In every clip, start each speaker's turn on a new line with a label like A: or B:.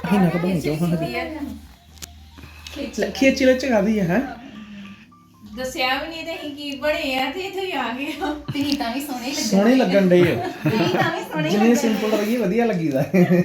A: ਇਹਨਾਂ ਕੋ ਬਣੀ ਜਾਓ ਹਾਂ ਖੇਚ ਲੈ ਚਗਾਦੀ ਹੈ
B: ਦੱਸਿਆ ਵੀ ਨਹੀਂ ਤੇ ਅਸੀਂ ਕੀ ਬਣੇ ਆ ਤੇ ਇੱਥੇ ਆ ਗਏ
C: ਤੁਸੀਂ ਤਾਂ ਵੀ
A: ਸੋਹਣੇ ਲੱਗਣ ਡੇ
C: ਤੁਸੀਂ ਤਾਂ ਵੀ ਸੋਹਣੇ
A: ਜਿੰਨੇ ਸਿੰਪਲ ਰਹੀ ਵਧੀਆ ਲੱਗੀਦਾ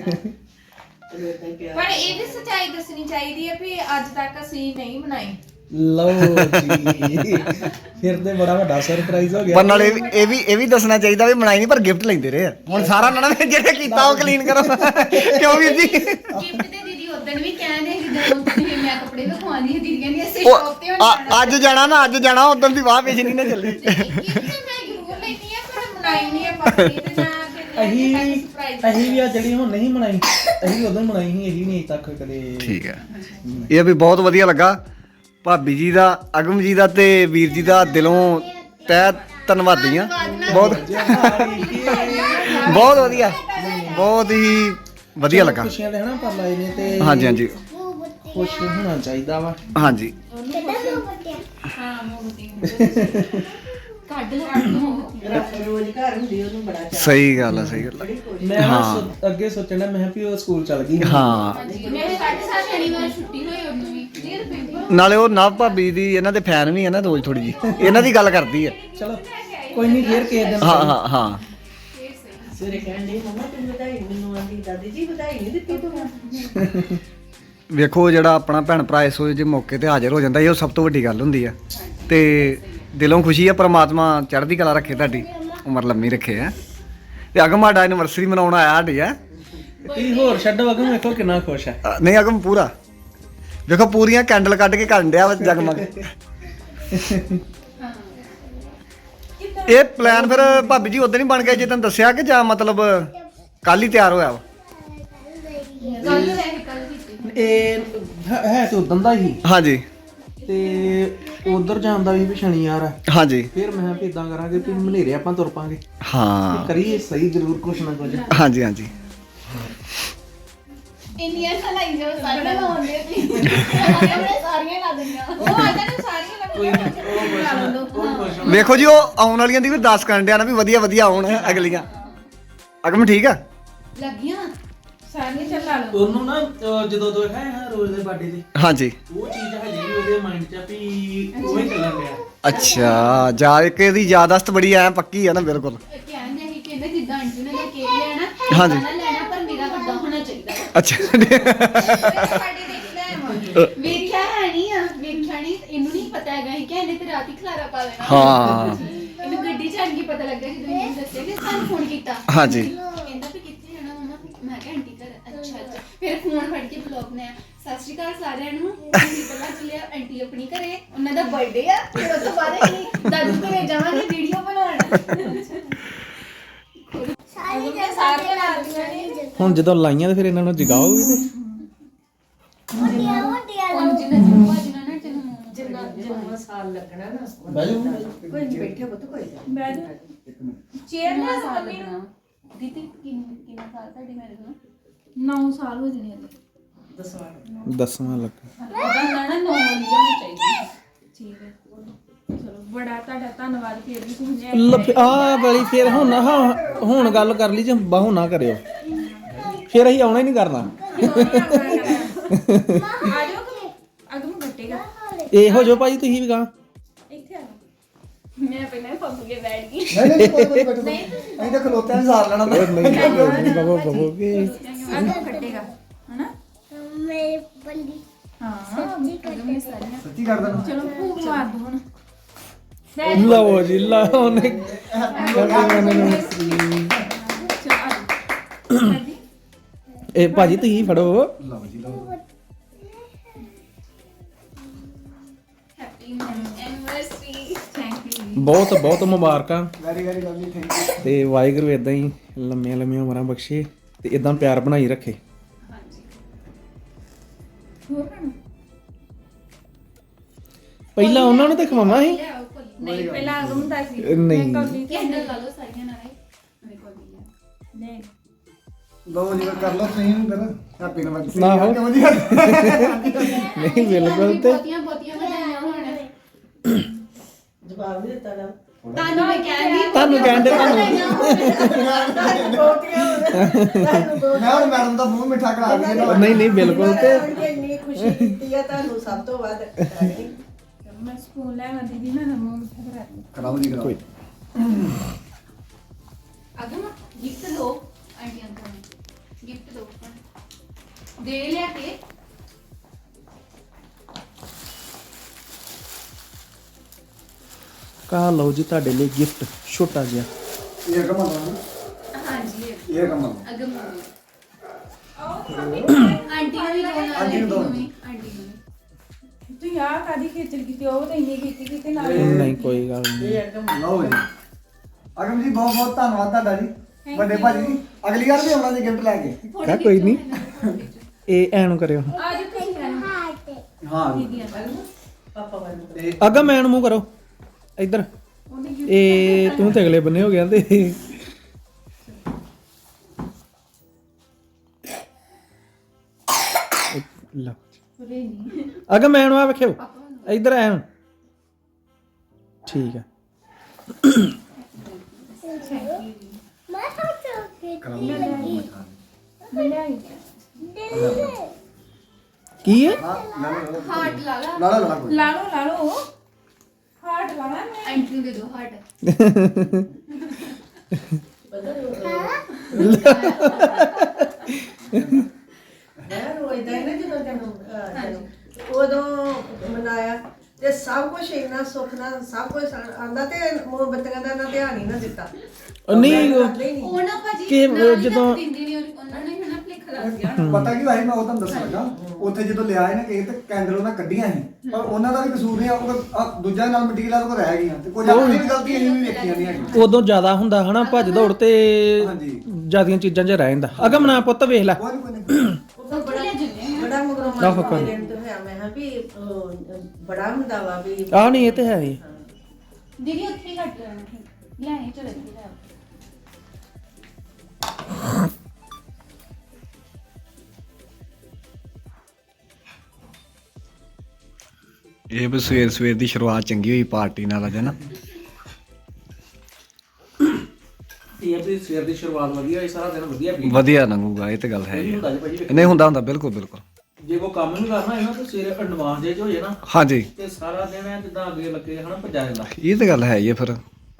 B: ਪਰ ਇਹ ਵੀ ਸੱਚਾਈ ਦੱਸਣੀ ਚਾਹੀਦੀ ਹੈ ਵੀ ਅੱਜ ਤੱਕ ਅਸੀਂ ਨਹੀਂ ਬਣਾਈ
A: ਲਓ ਜੀ ਫਿਰ ਤੇ ਬੜਾ ਵੱਡਾ ਸਰਪ੍ਰਾਈਜ਼ ਹੋ ਗਿਆ
D: ਪਰ ਨਾਲ ਇਹ ਵੀ ਦੱਸਣਾ ਚਾਹੀਦਾ ਵੀ ਬਣਾਈ ਨਹੀਂ ਪਰ ਗਿਫਟ ਲੈਂਦੇ ਰਹੇ ਆ ਹੁਣ ਸਾਰਾ ਨਾ ਜਿਹੜੇ ਕੀਤਾ ਉਹ ਕਲੀਨ ਕਰੋ ਕਿਉਂ ਵੀਰ ਜੀ
C: ਗਿਫਟ ਤੇ ਦੀਦੀ ਉਦੋਂ ਵੀ ਕਹਿੰਦੇ ਸੀ ਜਦੋਂ ਤੁਸੀਂ ਮੈਂ ਕੱਪੜੇ ਵਿਖਾਉਂਦੀ ਸੀ ਦੀਦੀਆਂ ਦੀ ਅਸੀਂ ਸ਼ੌਪ ਤੇ
D: ਅੱਜ ਜਾਣਾ ਉਦੋਂ ਦੀ ਵਾਹ ਵੇਚਣੀ ਨਾ ਚੱਲੀ
B: ਇਹ ਮੈਂ ਜ਼ਰੂਰ ਲੈਣੀ ਆ ਪਰ ਬਣਾਈ ਨਹੀਂ ਆ ਪਾਪੀ ਤੇ ਨਾ
A: ਅਸੀਂ ਵੀ ਆ ਜਿਹੜੀ ਹੁਣ ਨਹੀਂ ਬਣਾਈ ਅਸੀਂ ਉਦੋਂ ਬਣਾਈ ਸੀ ਇਹੀ ਨਹੀਂ ਤੱਕ ਕਦੇ
D: ਠੀਕ ਹੈ ਇਹ ਵੀ ਬਹੁਤ ਵਧੀਆ ਲੱਗਾ ਭਾਬੀ ਜੀ ਦਾ ਅਗਮ ਜੀ ਦਾ ਤੇ ਵੀਰ ਜੀ ਦਾ ਦਿਲੋਂ ਤਹਿ ਧੰਨਵਾਦੀ ਆ ਬਹੁਤ ਵਧੀਆ ਬਹੁਤ ਹੀ ਵਧੀਆ ਲੱਗਾ
A: ਖੁਸ਼ੀਆਂ ਲੈਣਾ ਪਰ ਲਾਏ ਨੇ ਤੇ
D: ਹਾਂਜੀ
A: ਖੁਸ਼ ਹੋਣਾ ਚਾਹੀਦਾ ਵਾ
D: ਹਾਂਜੀ
B: ਹਾਂ ਮੋਤੀ
C: ਕੱਢ ਲਓ
E: ਰੋਜ਼ ਘਰ ਹੁੰਦੀ ਉਹਨੂੰ ਬੜਾ ਚਾਅ
D: ਸਹੀ ਗੱਲ ਆ
A: ਮੈਂ ਅੱਗੇ ਸੋਚਣਾ ਮੈਂ ਵੀ ਉਹ ਸਕੂਲ ਚਲ ਗਈ
D: ਹਾਂ
C: ਮੇਰੇ 7:30 ਸ਼ਨੀਵਾਰ ਛੁੱਟੀ ਹੋਈ ਉਹਨੂੰ ਵੀ ਨੀਰ ਪੇਪਰ
D: ਨਾਲੇ ਉਹ ਨਵ ਭਾਬੀ ਦੀ ਇਹਨਾਂ ਦੇ ਫੈਨ ਵੀ ਆ ਨਾ ਰੋਜ਼ ਥੋੜੀ ਜੀ ਇਹਨਾਂ ਦੀ ਗੱਲ ਕਰਦੀ ਆ
A: ਚਲੋ ਕੋਈ ਨਹੀਂ ਫੇਰ ਕਿਸੇ ਦਿਨ
D: ਹਾਂ
E: ਸਵੇਰੇ ਕਹਿੰਦੇ ਮਮਾ ਤੂੰ ਵਧਾਈ ਮੈਨੂੰ ਆਂਦੀ ਦਾਦੀ ਜੀ ਵਧਾਈ ਨਹੀਂ ਦਿੱਤੀ ਤੂੰ
D: ਵੇਖੋ ਜਿਹੜਾ ਆਪਣਾ ਭੈਣ ਭਰਾ ਇਸ ਜੇ ਮੌਕੇ ਤੇ ਹਾਜ਼ਰ ਹੋ ਜਾਂਦਾ ਇਹ ਸਭ ਤੋਂ ਵੱਡੀ ਗੱਲ ਹੁੰਦੀ ਆ ਤੇ ਦਿਲੋਂ ਖੁਸ਼ੀ ਆ ਪ੍ਰਮਾਤਮਾ ਚੜ੍ਹਦੀ ਕਲਾ ਰੱਖੇ ਤੁਹਾਡੀ ਉਮਰ ਲੰਮੀ ਰੱਖੇ ਆ ਤੇ ਅਗਮ ਸਾਡਾ ਐਨੀਵਰਸਰੀ ਮਨਾਉਣ ਆਇਆ ਸਾਡੀ ਆ
A: ਤੁਸੀਂ ਹੋਰ ਛੱਡੋ ਅਗਮ ਵੇਖੋ ਕਿੰਨਾ ਖੁਸ਼ ਹੈ
D: ਨਹੀਂ ਅਗਮ ਪੂਰਾ ਵੇਖੋ ਪੂਰੀਆਂ ਕੈਂਡਲ ਕੱਢ ਕੇ ਕਰਨ ਡਿਆ ਵਾ ਜਗਮਗ ਇਹ ਪਲਾਨ ਫਿਰ ਭਾਬੀ ਜੀ ਉਦੋਂ ਹੀ ਬਣ ਗਿਆ ਜੇ ਤੈਨੂੰ ਦੱਸਿਆ ਕਿ ਜਾਂ ਮਤਲਬ ਕੱਲ ਹੀ ਤਿਆਰ ਹੋਇਆ ਵਾ
C: ਕੱਲ ਲੈ ਕੇ ਕੱਲ ਕੀਤੀ
A: ਇਹ ਹੈ ਤੇ ਉਦੋਂ ਦਾ ਹੀ
D: ਹਾਂਜੀ
A: ਤੇ ਉਧਰ ਜਾਣ ਦਾ ਵੀ ਸ਼ਨੀਵਾਰ ਆ
D: ਹਾਂਜੀ
A: ਫਿਰ ਮੈਂ ਵੀ ਇਦਾਂ ਕਰਾਂਗੇ ਵੀ ਮਨੇਰੇ ਆਪਾਂ ਤੁਰ ਪਾਂਗੇ
D: ਹਾਂ
A: ਕਰੀਏ ਸਹੀ ਜ਼ਰੂਰ ਕੁਛ ਨਾ ਕੁਝ
D: ਹਾਂਜੀ
C: ਇੰਡੀਆ ਖਲਾਈ ਜੋ ਸਾਰੇ ਲਾਉਂਦੇ ਸੀ ਸਾਰੀਆਂ ਲਾ ਦਿੰਦੀਆਂ
B: ਉਹ ਆਂਦਾ ਨੂੰ ਸਾਰੀਆਂ ਲੱਗਦੀਆਂ
D: ਵੇਖੋ ਜੀ ਉਹ ਆਉਣ ਵਾਲੀਆਂ ਦੀ ਵੀ 10 ਕਰਨ ਡਿਆ ਨਾ ਵੀ ਵਧੀਆ ਆਉਣ ਅਗਲੀਆਂ ਅਗਮ ਠੀਕ ਆ
C: ਲੱਗੀਆਂ
B: ਸਾਰੀਆਂ ਚੱਲਾ ਲਓ
A: ਉਹਨੂੰ ਨਾ ਜਦੋਂ ਦੋ ਹੈ ਰੋਜ਼ ਦੇ ਬਰਥਡੇ ਤੇ
D: ਹਾਂਜੀ
A: ਉਹ ਚੀਜ਼ ਹਜੇ ਵੀ ਉਹਦੇ ਮਾਈਂਡ 'ਚ ਆ ਵੀ ਉਹ ਹੀ ਚੱਲਣ ਡਿਆ
D: ਅੱਛਾ ਜਾ ਇੱਕ ਇਹਦੀ ਯਾਦਾਸ਼ਤ ਬੜੀ ਐ ਪੱਕੀ ਆ ਨਾ ਬਿਲਕੁਲ
C: ਕਹਿੰਦੇ ਸੀ ਕਹਿੰਦੇ ਜਿੱਦਾਂ ਆਂਟੀ ਨੇ ਕੇਕ ਲੈਣਾ
D: ਹਾਂਜੀ।
C: ਨਾ ਲੈਣਾ ਪਰ ਮੇਰਾ ਵੱਡਾ ਹੋਣਾ ਚਾਹੀਦਾ
D: ਅੱਛਾ
B: ਸਾਡੀ ਦੇਖ ਲੈ ਆਵਾਂਗੇ
C: ਵੇਖਿਆ ਨਹੀਂ ਇਹਨੂੰ ਨਹੀਂ ਪਤਾ ਹੈਗਾ ਕਿ ਇਹਨੇ ਤੇ ਰਾਤੀ ਖਲਾਰਾ ਪਾ ਲੈਣਾ
D: ਹਾਂ
C: ਇਹਨੂੰ ਗੱਡੀ ਚ ਆਣ ਕੇ ਪਤਾ ਲੱਗਾ ਜਦੋਂ ਇਹਨੂੰ ਦੱਸਿਆ ਕਿ ਸਾਨੂੰ ਫੋਨ ਕੀਤਾ
D: ਹਾਂਜੀ
C: ਕਹਿੰਦਾ ਵੀ ਕਿੱਥੇ ਜਾਣਾ ਮਮਾ ਮੈਂ ਕਿਹਾ ਆਂਟੀ ਘਰ ਅੱਛਾ ਫਿਰ ਫੋਨ ਫੜ ਕੇ ਬਲੌਗ ਬਣਾਇਆ ਸਤਿ ਸ਼੍ਰੀ ਅਕਾਲ ਸਾਰਿਆਂ ਨੂੰ ਅਸੀਂ ਪਤਾ ਚੱਲਿਆ ਆਂਟੀ ਆਪਣੀ ਘਰੇ ਉਹਨਾਂ ਦਾ ਬਰਥਡੇ ਆ ਫਿਰ ਉਸ ਤੋਂ ਬਾਅਦ ਅਸੀਂ ਦਾਦੂ ਘਰੇ ਜਾਵਾਂਗੇ ਵੀਡੀਓ ਬਣਾਉਣ
B: ਸਾਰੀਆਂ ਲੱਗਦੀਆਂ ਨੇ
A: ਹੁਣ ਜਦੋਂ ਲਾਈਆਂ ਤੇ ਫਿਰ ਇਹਨਾਂ ਨੂੰ ਜਗਾਓਗੇ ਤੇ
C: ਹੁਣ ਜਿੰਨਾ ਜੁਮਾ ਜਿੰਨਾ
E: ਜਿੰਨਾ ਸਾਲ ਲੱਗਣਾ ਨਾ
A: ਬੈਜੋ
E: ਕੋਈ ਬੈਠੇ ਪੁੱਤ ਕੋਈ
B: ਚੇਅਰ ਨਾ
C: ਸਾਲ
B: ਮੰਮੀ ਨੂੰ
C: ਲੱਗਣਾ ਦੀਦੀ ਕਿੰਨਾ ਸਾਲ ਤੁਹਾਡੀ ਮੈਰਿਜ ਨੂੰ 9 ਸਾਲ ਹੋ ਜਣੇ ਹਲੇ
A: ਦਸਵਾਂ ਲੱਗ
C: ਉਹਦਾ ਨਾ 9 ਲਿਆਉਣੀ ਚਾਹੀਦੀ
B: ਠੀਕ ਹੈ ਚਲੋ ਬੜਾ ਤੁਹਾਡਾ ਧੰਨਵਾਦ ਫਿਰ ਵੀ ਤੁਸੀਂ
A: ਆ ਵਾਲੀ ਫਿਰ ਹੁਣ ਗੱਲ ਕਰ ਲਈ ਜੇ ਬਾਹੂ ਨਾ ਕਰਿਓ ਫਿਰ ਅਸੀਂ ਆਉਣਾ ਹੀ ਨਹੀਂ ਕਰਨਾ
B: ਆ ਜਾਓ ਅਗਮ ਘਟੇਗਾ
A: ਇਹੋ ਜੋ ਭਾਜੀ ਤੁਸੀਂ ਵੀ ਗਾ
B: ਇੱਥੇ ਆ
C: ਮੈਂ ਪਹਿਲਾਂ ਪੰਪ ਕੇ ਬੈਠ ਗਈ
D: ਨਹੀਂ ਤਾਂ ਖਲੋਤਿਆਂ ਨੇ ਸਾਰ ਲੈਣਾ
A: ਨਹੀਂ ਬਾਬਾ ਕਹੋਗੇ
B: ਅਗਮ ਘਟੇਗਾ ਹਨਾ
F: ਮੇਰੇ ਬੰਦੀ
B: ਹਾਂ
C: ਅਗਮ ਨੇ ਸਾਰੀਆਂ
D: ਸੱਚੀ ਕਰ ਦੇਣਾ
B: ਚਲੋ ਭੂਖ ਮਾਰ ਦੋ ਹੁਣ
A: ਲਓ ਜੀ ਲਓ ਨੇ ਇਹ ਭਾਜੀ ਤੁਸੀਂ ਫੜੋ
C: ਹੈਪੀ ਐਨਵਰਸਰੀ ਥੈਂਕ ਯੂ
A: ਬਹੁਤ ਬਹੁਤ ਮੁਬਾਰਕਾਂ
D: ਵੈਰੀ ਲਵਲੀ ਥੈਂਕ ਯੂ
A: ਤੇ ਵਾਹਿਗੁਰੂ ਇਦਾਂ ਹੀ ਲੰਮੀਆਂ ਉਮਰਾਂ ਬਖਸ਼ੇ ਤੇ ਇਦਾਂ ਪਿਆਰ ਬਣਾਈ ਰੱਖੇ
C: ਹਾਂਜੀ
B: ਹੋਰ ਖਾਣਾ
A: ਪਹਿਲਾਂ ਉਹਨਾਂ ਨੂੰ ਤੇ ਖਵਾਵਾਂ ਸੀ
B: ਨਹੀਂ ਪਹਿਲਾਂ ਅਗਮ ਦਾ ਸੀ
A: ਨਹੀਂ
C: ਕੈਂਡਲ ਲਾ ਲਓ ਸਾਰੀਆਂ ਨਾਲ ਮੇਰੇ ਕੋਲ ਵੀ ਆ
B: ਨਹੀਂ
D: ਲਓ ਜੀ ਕਰ ਲਓ ਤੁਸੀਂ ਫਿਰ ਹੈਪੀ ਐਨਵਰਸਰੀ
A: ਨਾ ਹੋ।
D: ਕਿਉਂ ਜੀ
A: ਨਹੀਂ ਬਿਲਕੁਲ ਤੇ
C: ਬਹੁਤੀਆਂ ਵਧਾਈਆਂ ਹੋਣ
E: ਜਵਾਬ ਨਹੀਂ ਦਿੱਤਾ ਨਾ
C: ਤੁਹਾਨੂੰ ਮੈਂ ਕਹਿੰਦੀ
A: ਤੁਹਾਨੂੰ ਕਹਿਣ ਦੇ ਤੁਹਾਨੂੰ
D: ਮੈਂ ਹੁਣ ਮੈਡਮ ਦਾ ਮੂੰਹ ਮਿੱਠਾ ਕਰਾ ਦਈਏ ਨਾ
A: ਨਹੀਂ ਨਹੀਂ ਬਿਲਕੁਲ ਤੇ
E: ਇੰਨੀ ਖੁਸ਼ੀ ਦਿੱਤੀ ਆ ਤੁਹਾਨੂੰ ਸਭ ਤੋਂ ਵੱਧ
B: ਮੈਂ ਸਕੂਲ ਲੈ ਆਉਂਦੀ ਦੀ ਨਾ ਮੂੰਹ ਮਿੱਠਾ ਕਰਾ ਦਿੱਤਾ।
D: ਕਰਾਓ ਜੀ ਕਰਾਓ
A: ਕੋਈ
C: ਅਗਮ ਗਿਫਟ ਦੋ ਆਂਟੀ ਅੰਕਲ ਨੂੰ ਗਿਫਟ ਦੋ ਦੇ ਲਿਆ ਕੇ
A: ਕਾ ਲਓ ਜੀ ਤੁਹਾਡੇ ਲਈ ਗਿਫਟ ਛੋਟਾ ਜਿਹਾ
D: ਇਹ ਕਮਾ
C: ਹਾਂਜੀ
D: ਇਹ ਕਮਾ
C: ਅਗਮ ਆਂਟੀ ਨੂੰ ਵੀ ਦੋ ਨਾਲ
D: ਆਂਟੀ ਨੂੰ ਦਿਓ।
C: ਆਂਟੀ ਨੂੰ ਵੀ।
B: ਤੂੰ ਯਾਰ ਕਾਦੀ ਖੇਚਲ ਕੀਤੀ ਉਹ ਤਾਂ ਇੰਨੀ ਕੀਤੀ ਕਿਤੇ ਨਾਲ
A: ਨਹੀਂ ਕੋਈ ਗੱਲ ਨਹੀਂ
D: ਲਓ ਜੀ ਅਗਮ ਜੀ ਬਹੁਤ ਬਹੁਤ ਧੰਨਵਾਦ ਤੁਹਾਡਾ ਜੀ ਵੱਡੇ ਭਾਜੀ ਜੀ ਅਗਲੀ ਵਾਰ ਵੀ ਆਉਣਾ ਜੀ ਗਿਫਟ ਲੈ ਕੇ
A: ਕਾ ਕੋਈ ਨਹੀਂ ਇਹ ਐਨੂੰ ਕਰਿਓ
B: ਅੱਜ ਤੁਸੀਂ ਰਹਿਣਾ
D: ਹਾਂ
E: ਪਾਪਾ ਵੱਲ
D: ਤੇ
A: ਅਗਾ ਮੈਨ ਮੂੰਹ ਕਰੋ ਇੱਧਰ ਇਹ ਤੂੰ ਤੇ ਅਗਲੇ ਬੰਨੇ ਹੋ ਗਿਆ ਤੇ ਲਓ
B: ਪੂਰੇ ਨਹੀਂ
A: ਅਗਾ ਮੈਨ ਆ ਵੇਖਿਓ ਇੱਧਰ ਐਨ ਠੀਕ ਹੈ
F: ਮੈਂ ਤਾਂ ਚੋਕੇ
B: ਮੈਂ ਲਿਆਈ
A: ਕੀ ਹੈ
C: ਹਾਰਟ ਲਾ ਲਾ
D: ਲਾ ਲਾ ਕੋਈ
B: ਲਾ ਲਓ ਹਾਰਟ ਲਾਣਾ ਮੈਂ
C: ਆਂਟੀ ਨੂੰ ਦੇ ਦੋ ਹਾਰਟ
E: ਮੈਂ ਰੋਇਦਾ ਹੀ ਨਾ ਜਦੋਂ ਤੈਨੂੰ ਉਦੋਂ ਮਨਾਇਆ ਤੇ ਸਭ ਕੁਝ ਇੰਨਾ ਸੁੱਖ ਨਾਲ ਸਭ ਕੁਝ ਆਂਦਾ ਤੇ ਮੋਮਬੱਤੀਆਂ ਦਾ ਨਾ ਧਿਆਨ ਹੀ ਨਾ ਦਿੱਤਾ
A: ਨਹੀਂ
E: ਕਰਦੇ ਹੀ ਨਹੀਂ
C: ਉਹ ਨਾ ਭਾਜੀ
A: ਕਿ
C: ਨਾ ਹੀ
A: ਜਦੋਂ-
C: ਰੱਖ ਦਿੰਦੇ ਨੇ ਉਹਨਾਂ ਨੇ ਹਨਾ ਭਲੇਖਾ ਲੱਗ ਗਿਆ
D: ਪਤਾ ਕੀ ਭਾਈ ਮੈਂ ਉਹ ਤੁਹਾਨੂੰ ਦੱਸਣ ਲੱਗਾ ਉੱਥੇ ਜਦੋਂ ਲਿਆ ਇਹਨੇ ਕੇਕ ਤੇ ਕੈਂਡਲ ਉਹਨਾਂ ਕੱਢੀਆਂ ਸੀ ਪਰ ਉਹਨਾਂ ਦਾ ਵੀ ਕਸੂਰ ਨਹੀਂ ਆ ਦੂਜਾ ਨਾਲ ਮਿੱਟੀ ਗਲਾਸ ਕੋ ਰਹਿ ਗਈਆਂ ਤੇ ਕੁਝ ਆਪਣੀ ਵੀ ਗਲਤੀ ਅਸੀਂ ਵੀ ਵੇਖੀਆਂ ਨਹੀਂ ਹੈਗੀਆਂ
A: ਉਦੋਂ ਜ਼ਿਆਦਾ ਹੁੰਦਾ ਹਨਾ ਭੱਜ ਦੌੜ ਤੇ
D: ਹਾਂਜੀ
A: ਜਿਆਦੀਆਂ ਚੀਜ਼ਾਂ 'ਚ ਰਹਿ ਜਾਂਦਾ ਅਗਾ ਮਨਾ ਪੁੱਤ ਵੇਖ ਲੈ
D: ਕੋਈ ਨਹੀਂ
C: ਉਹ ਬੜਾ ਜੁਨੇ
E: ਬੜਾ ਮਗਰੋਂ
A: ਆਹੋ, ਕੋਈ
E: ਮੇਰੇ ਤੋਂ ਹੋਇਆ ਮੈਂ ਕਿਹਾ ਵੀ ਬੜਾ ਹੁੰਦਾ ਵਾ ਵੀ
A: ਆਹ ਨਹੀਂ ਇਹ ਤੇ ਹੈ ਹੀ
C: ਦੀਦੀ ਉੱਥੇ ਹੀ ਕੱਟ ਲੈਣਾ ਲੈ ਆਏ ਚਲੋ ਇੱਥੇ ਲੈ ਆਓ।
D: ਇਹ ਵੀ ਸਵੇਰ ਸਵੇਰ ਦੀ ਸ਼ੁਰੂਆਤ ਚੰਗੀ ਹੋਈ ਪਾਰਟੀ ਨਾਲ ਅਜਾ ਨਾ
A: ਇਹ ਵੀ ਸਵੇਰ ਦੀ ਸ਼ੁਰੂਆਤ ਵਧੀਆ ਹੋਈ ਸਾਰਾ ਦਿਨ ਵਧੀਆ ਬੀਤ
D: ਵਧੀਆ ਲੰਘੂਗਾ ਇਹ ਤੇ ਗੱਲ ਹੈ ਹੀ
A: ਹੁੰਦਾ
D: ਆ।
A: ਜੀ ਭਾਜੀ
D: ਨਹੀਂ ਹੁੰਦਾ ਹੁੰਦਾ ਬਿਲਕੁਲ ਬਿਲਕੁਲ
A: ਜੇ ਕੋਈ ਕੰਮ ਵੀ ਕਰਨਾ ਹੈ ਨਾ ਤੇ ਸਵੇਰੇ ਐਡਵਾਂਸ ਜੇ 'ਚ ਹੋ ਜਾਏ ਨਾ
D: ਹਾਂਜੀ
A: ਤੇ ਸਾਰਾ ਦਿਨ ਐ ਜਿੱਦਾਂ ਅੱਗੇ ਲੱਗੇ ਹਨਾ ਭੱਜਾ ਜਾਂਦਾ
D: ਇਹ ਤੇ ਗੱਲ ਹੈ ਹੀ ਆ ਫਿਰ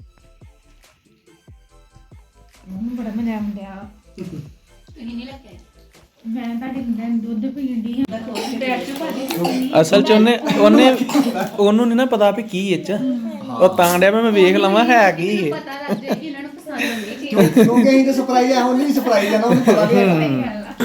B: ਉਹਨੂੰ ਬੜਾ ਮਜ਼ਾ ਆਉਂਦਾ
C: ਤੁਸੀਂ ਨਹੀਂ ਲੈ ਕੇ ਆਏ
B: ਮੈਂ ਤੁਹਾਡੇ ਮੁੰਡੇ ਨੂੰ ਦੁੱਧ ਪੀਣ ਦੀ ਹਾਂ ਬੈਠ ਕੇ ਭਾਜੀ
A: ਅਸਲ 'ਚ ਉਹਨੂੰ ਨਹੀਂ ਨਾ ਪਤਾ ਵੀ ਕੀ ਇਹ 'ਚ ਉਹ ਤਾਂ ਡਿਆ ਮੈਂ ਵੇਖ ਲਵਾਂ ਹੈ ਕੀ ਇਹ
C: ਪਤਾ ਲੱਗ ਜਾਏ ਕਿ ਇਹਨਾਂ ਨੂੰ ਪਸੰਦ ਆਉਂਦੀ ਚੀਜ਼
D: ਕਿਉਂਕਿ ਅਸੀਂ ਤੇ ਸਰਪ੍ਰਾਈਜ਼ ਆ ਉਹਨੂੰ ਵੀ ਸਰਪ੍ਰਾਈਜ਼ ਆ ਨਾ ਉਹਨੂੰ ਪਤਾ ਨਹੀਂ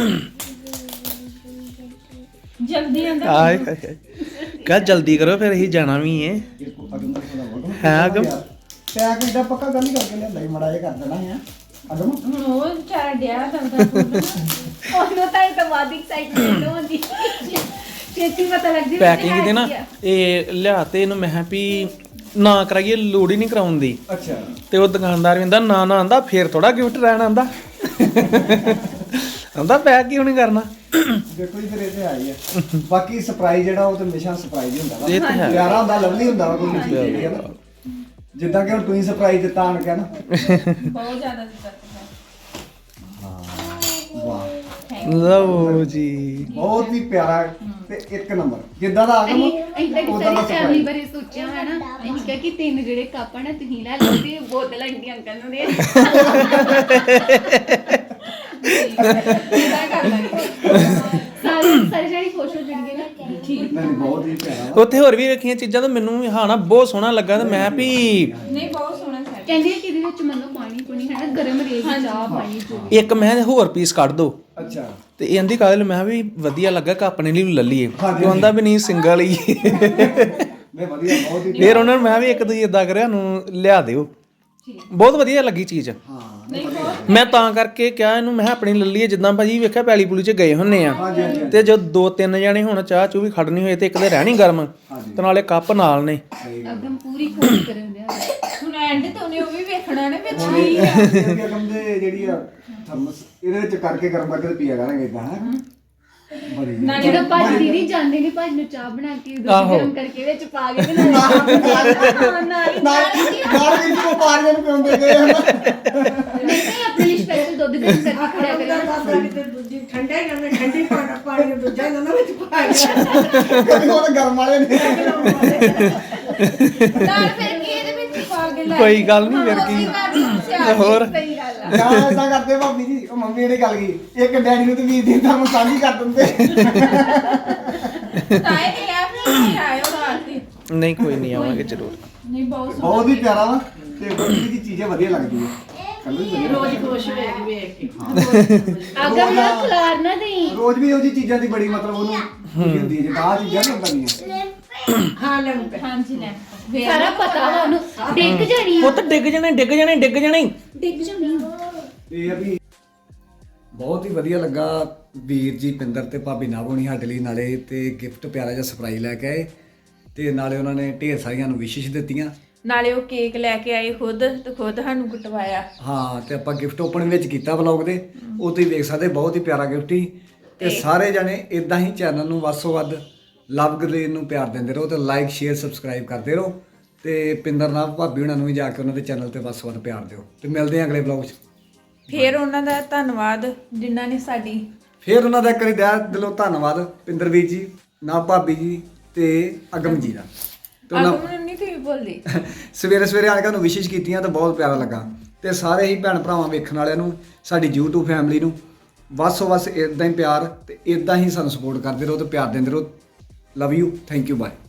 B: ਜਲਦੀ ਆਂਦਾ
A: ਆਏ ਹਾਏ ਹਾਏ ਕਹ ਜਲਦੀ ਕਰੋ ਫਿਰ ਅਸੀਂ ਜਾਣਾ ਵੀ ਏ ਹੈ ਅਗਮ
D: ਪੈਕ ਇਹਦਾ ਪੱਕਾ ਗੱਲ ਹੀ ਕਰਕੇ ਲਿਆਂਦਾ ਹੀ ਮੜਾ ਜਿਹਾ ਕਰ ਦੇਣਾ ਹੈ ਅਗਮ
B: ਹੁਣ ਉਹ ਵਿਚਾਰਾ ਡਿਆ ਦੰਦਾ
C: ਉਹਨੂੰ ਤਾਂ ਇਹ ਤਾਂ ਬਾਅਦ ਐਕਸਾਈਟਮੈਂਟ ਹੁੰਦੀ ਛੇਤੀ ਪਤਾ ਲੱਗ ਜਾਏ
A: ਪੈਕਿੰਗ ਦੇ ਨਾ ਇਹ ਲਿਆ ਤੇ ਇਹਨੂੰ ਮੈਂ ਕਿਹਾ ਵੀ ਨਾ ਕਰਾਈਏ ਲੋੜ ਹੀ ਨਹੀਂ ਕਰਾਉਣ ਦੀ
D: ਅੱਛਾ
A: ਤੇ ਉਹ ਦੁਕਾਨਦਾਰ ਵੀ ਕਹਿੰਦਾ ਨਾ ਨਾ ਆਂਦਾ ਫੇਰ ਥੋੜਾ ਗਿਫਟ ਰਹਿਣ ਆਂਦਾ ਆਂਦਾ ਪੈਕ ਕਿਉਂ ਨਹੀਂ ਕਰਨਾ
D: ਦੇਖੋ ਜੀ ਫਿਰ ਇਹ ਤੇ ਆਈ ਹੈ ਬਾਕੀ ਸਰਪ੍ਰਾਈਜ਼ ਜਿਹੜਾ ਉਹ ਤੇ ਹਮੇਸ਼ਾ ਸਰਪ੍ਰਾਈਜ਼ ਹੀ ਹੁੰਦਾ ਵਾ
A: ਇਹ ਤਾਂ ਹੈ।
D: ਪਿਆਰਾ ਹੁੰਦਾ ਲਵਲੀ ਹੁੰਦਾ ਵਾ ਕੋਈ ਚੀਜ਼ ਜਿਹੜੀ ਹੈ ਨਾ ਜਿੱਦਾਂ ਕਿ ਹੁਣ ਤੁਸੀਂ ਸਰਪ੍ਰਾਈਜ਼ ਦਿੱਤਾ ਆਣ ਕੇ ਨਾ
B: ਬਹੁਤ ਜ਼ਿਆਦਾ ਦਿੱਕਤ ਹੈ
D: ਵਾਹ
A: ਲਓ ਜੀ
D: ਬਹੁਤ ਹੀ ਪਿਆਰਾ ਤੇ ਇੱਕ ਨੰਬਰ ਜਿੱਦਾਂ ਦਾ ਆਗਮ
C: ਅਸੀਂ ਤਾਂ
D: ਉਹਦਾ ਦਾ
C: ਸਾਰੀ ਫੈਮਿਲੀ ਬਾਰੇ ਸੋਚਿਆ ਹੈ ਨਾ ਅਸੀਂ ਕਿਹਾ ਕਿ ਤਿੰਨ ਜਿਹੜੇ ਕੱਪ ਆ ਨਾ ਤੁਸੀਂ ਲੈ ਲਓ ਤੇ ਬੋਤਲ ਆਂਟੀ ਅੰਕਲ ਨੂੰ ਦੇ ਸਾਰੇ ਜਿਹੜੇ ਖੁਸ਼ ਹੋ ਜਾਣਗੇ ਨਾ ਠੀਕ
D: ਨਹੀਂ ਬਹੁਤ ਹੀ ਪਿਆਰਾ
A: ਉੱਥੇ ਹੋਰ ਵੀ ਵੇਖੀਆਂ ਚੀਜ਼ਾਂ ਤਾਂ ਮੈਨੂੰ ਵੀ ਹਾਂ ਨਾ ਬਹੁਤ ਸੋਹਣਾ ਲੱਗਾ ਤੇ ਮੈਂ ਵੀ
B: ਨਹੀਂ ਬਹੁਤ ਸੋਹਣਾ ਸੈਟ
C: ਕਹਿੰਦੇ ਆ ਕਿ ਇਹਦੇ ਵਿੱਚ ਮੰਨੋ ਪਾਣੀ ਪੁਣੀ ਹੈ ਨਾ ਗਰਮ ਰਹੇਗੀ ਚਾਹ ਪਾਣੀ ਜੋ
A: ਇੱਕ ਮੈਂ ਕਿਹਾ ਹੋਰ ਪੀਸ ਕੱਢ ਦੋ
D: ਅੱਛਾ
A: ਤੇ ਇਹ ਆਂਦੀ ਕਾਹਦੇ ਲਈ ਮੈਂ ਕਿਹਾ ਵੀ ਵਧੀਆ ਲੱਗਾ ਕਿ ਆਪਣੇ ਲਈ ਵੀ ਲੈ ਲਈਏ
D: ਹਾਂਜੀ।
A: ਉਹ ਆਂਦਾ ਵੀ ਨਹੀਂ ਸਿੰਗਲ ਹੀ
D: ਨਹੀਂ ਵਧੀਆ ਬਹੁਤ ਹੀ
A: ਫਿਰ ਉਹਨਾਂ ਨੂੰ ਮੈਂ ਵੀ ਇੱਕ ਦੂਜੀ ਇਦਾਂ ਕਰਿਆ ਨੂੰ ਲਿਆ ਦਿਓ ਬਹੁਤ ਵਧੀਆ ਲੱਗੀ ਚੀਜ਼
D: ਹਾਂ
A: ਮੈਂ ਤਾਂ ਕਰਕੇ ਕਿਹਾ ਇਹਨੂੰ ਮੈਂ ਕਿਹਾ ਆਪਣੀ ਲੈ ਲਈਏ ਜਿੱਦਾਂ ਭਾਜੀ ਵੇਖਿਆ ਪੈਲੀ ਪੁਲੀ 'ਚ ਗਏ ਹੁੰਨੇ ਆ
D: ਹਾਂਜੀ ਹਾਂਜੀ
A: ਤੇ ਜਦ 2-3 ਜਣੇ ਹੁਣ ਚਾਹ ਚੂ ਵੀ ਖੜਨੀ ਹੋਏ ਤੇ ਇੱਕ ਦੇ ਰਹਿਣੀ ਗਰਮ ਤੇ ਨਾਲੇ ਕੱਪ ਨਾਲ ਨੇ
C: ਅਗਮ ਪੂਰੀ ਖੋਜ ਕਰਨ ਦਿਆ
B: ਹੁਣ ਐਂਡ ਤੇ ਉਹਨੇ ਉਹ ਵੀ ਵੇਖਣਾ ਨੇ ਵਿੱਚ
D: ਹੁਣ ਇਹ ਅਗਮ ਦੇ ਜਿਹੜੀ ਆ ਥਰਮਸ ਇਹਦੇ ਵਿੱਚ ਕਰਕੇ ਗਰਮ ਕਰਕੇ ਤੇ ਪੀਆ ਕਰਾਂਗੇ ਇਦਾਂ ਹੈ ਬਣਦੀ
B: ਨਾ
C: ਜਦੋਂ ਭਾਜੀ ਦੀਦੀ ਜਾਂਦੇ ਨੇ ਭਾਜੀ ਨੂੰ ਚਾਹ ਬਣਾ ਕੇ ਦੁੱਧ
A: ਆਹੋ।
C: ਗਰਮ ਕਰਕੇ ਵਿੱਚ ਪਾ ਕੇ ਤੇ ਨਾਲ
D: ਨਾਲ ਵੀ ਕੋ ਪਾਰੀਆਂ ਨੂੰ ਪਿਉਂਦੇ ਗਏ ਹਨ
C: ਨਹੀਂ ਆਪਣੇ ਲਈ ਸਪੈਸ਼ਲ ਦੁੱਧ ਗਰਮ ਕਰਕੇ ਖੜਿਆ ਕਰਿਆ
E: ਦਾਦਾ ਕਿਤੇ ਦੂਜੀ ਠੰਡੇ ਜਾਂਦੇ ਠੰਡੀ ਪਾਣੀ ਨੂੰ ਦੂਜਾ ਇਹਨਾਂ ਵਿੱਚ ਪਾ ਗਿਆ
D: ਕਦੇ ਉਹ ਗਰਮ ਵਾਲੇ ਨੇ
C: ਨਾਲ ਫਿਰ ਕੀ ਇਹਦੇ ਵਿੱਚ ਪਾ ਕੇ ਲੈ
A: ਕੋਈ ਗੱਲ ਨਹੀਂ ਫਿਰ ਕੀ ਹੋਰ
C: ਸਹੀ ਗੱਲ ਆ
D: ਯਾਰ ਏਦਾਂ ਕਰਦੇ ਭਾਬੀ ਜੀ ਉਹ ਮੰਮੀ ਨੇ ਗੱਲ ਕੀ ਇੱਕ ਡੈਡੀ ਨੂੰ ਤੇ ਵੀਰ ਦੀ ਤਾਂ ਸਾਂਝੀ ਕਰ ਦਿੰਦੇ
B: ਤਾਏ ਦੇ ਆਪ ਨਹੀਂ ਆਇਓ ਰਾਤ ਦੀ
A: ਨਹੀਂ ਕੋਈ ਨਹੀਂ ਆਵਾਂਗੇ ਜ਼ਰੂਰ
B: ਨਹੀਂ ਬਹੁਤ ਸੋਹਣਾ।
D: ਬਹੁਤ ਹੀ ਪਿਆਰਾ ਵਾ ਤੇ ਬੱਚੀ ਦੀ ਚੀਜ਼ਾਂ ਵਧੀਆ ਲੱਗਦੀਆਂ ਕੱਲੂ ਵੀ
E: ਰੋਜ਼ ਖੁਸ਼ ਹੋਏਗੀ ਵੇਖ ਕੇ
C: ਅਗਰ ਨਾ ਖਲਾਰ ਨਾ ਦੇਈ
D: ਰੋਜ਼ ਵੀ ਉਹ ਜੀ ਚੀਜ਼ਾਂ ਦੀ ਬੜੀ ਮਤਲਬ ਉਹਨੂੰ ਖੁਸ਼ੀ ਹੁੰਦੀ ਹੈ ਜੇ ਆਹ ਚੀਜ਼ਾਂ ਨਹੀਂ ਹੁੰਦੀਆਂ
E: ਹਾਂ ਲੈ ਪੈ
B: ਹਾਂਜੀ ਲੈ
C: ਸਾਰਾ ਪਤਾ ਵਾ ਉਹਨੂੰ ਡਿੱਗ ਜਾਣੀ ਆ
A: ਪੁੱਤ ਡਿੱਗ ਜਾਣੇ
C: ਡਿੱਗ ਜਾਣੀ
D: ਇਹ ਆ ਵੀ ਬਹੁਤ ਹੀ ਵਧੀਆ ਲੱਗਾ ਵੀਰ ਜੀ ਪਿੰਦਰ ਤੇ ਭਾਬੀ ਨਾਭ ਹੋਣੀ ਸਾਡੇ ਲਈ ਨਾਲੇ ਤੇ ਗਿਫਟ ਪਿਆਰਾ ਜਿਹਾ ਸਰਪ੍ਰਾਈਜ਼ ਲੈ ਕੇ ਆਏ ਤੇ ਨਾਲੇ ਉਹਨਾਂ ਨੇ ਢੇਰ ਸਾਰੀਆਂ ਨੂੰ ਵਿਸ਼ੇਸ਼ ਦਿੱਤੀਆਂ
B: ਨਾਲੇ ਉਹ ਕੇਕ ਲੈ ਕੇ ਆਏ ਖੁਦ ਤੇ ਖੁਦ ਸਾਨੂੰ ਕਟਵਾਇਆ
D: ਹਾਂ ਤੇ ਆਪਾਂ ਗਿਫਟ ਓਪਨ ਵਿੱਚ ਕੀਤਾ ਵਲੌਗ ਦੇ ਉਹ ਤੁਸੀਂ ਵੇਖ ਸਕਦੇ ਬਹੁਤ ਹੀ ਪਿਆਰਾ ਗਿਫਟ ਸੀ ਤੇ ਸਾਰੇ ਜਣੇ ਇਦਾਂ ਹੀ ਚੈਨਲ ਨੂੰ ਵੱਧ ਤੋਂ ਵੱਧ ਲਵ ਗਲੇਨ ਨੂੰ ਪਿਆਰ ਦਿੰਦੇ ਰਹੋ ਤੇ ਲਾਈਕ ਸ਼ੇਅਰ ਸਬਸਕ੍ਰਾਈਬ ਕਰਦੇ ਰਹੋ ਤੇ ਪਿੰਦਰ ਨਾਭ ਭਾਬੀ ਉਹਨਾਂ ਨੂੰ ਵੀ ਜਾ ਕੇ ਉਹਨਾਂ ਦੇ ਚੈਨਲ ਤੇ ਵੱਧ ਤੋਂ ਵੱਧ ਪਿਆਰ ਦਿਓ ਤੇ ਮਿਲਦੇ ਹਾਂ ਅਗਲੇ ਵਲੌਗ 'ਚ
B: ਫਿਰ ਉਹਨਾਂ ਦਾ ਧੰਨਵਾਦ ਜਿਨ੍ਹਾਂ ਨੇ ਸਾਡੀ
D: ਫਿਰ ਉਹਨਾਂ ਦਾ ਇੱਕ ਵਾਰੀ ਦਿਲੋਂ ਧੰਨਵਾਦ ਪਿੰਦਰ ਵੀਰ ਜੀ ਨਾਭ ਭਾਬੀ ਜੀ ਤੇ ਅਗਮ ਜੀ ਦਾ ਤੇ ਉਹਨਾਂ
B: ਅਗਮ ਨਹੀਂ ਤੁਸੀਂ ਬੋਲਦੇ
D: ਸਵੇਰੇ ਸਵੇਰੇ ਆ ਕੇ ਉਹਨੂੰ ਵਿਸ਼ੇਸ਼ ਕੀਤੀਆਂ ਤਾਂ ਬਹੁਤ ਪਿਆਰਾ ਲੱਗਾ ਤੇ ਸਾਰੇ ਹੀ ਭੈਣ ਭਰਾਵਾਂ ਵੇਖਣ ਵਾਲਿਆਂ ਨੂੰ ਸਾਡੀ YouTube ਫੈਮਿਲੀ ਨੂੰ ਵੱਧ ਤੋਂ ਵੱਧ ਇਦਾਂ ਹੀ ਪਿਆਰ ਤੇ ਇਦਾਂ ਹੀ ਸਾਨੂੰ ਸਪੋਰਟ ਕਰਦੇ ਰਹੋ ਤੇ ਪਿਆਰ ਦਿੰਦੇ ਰਹੋ love you thank you bye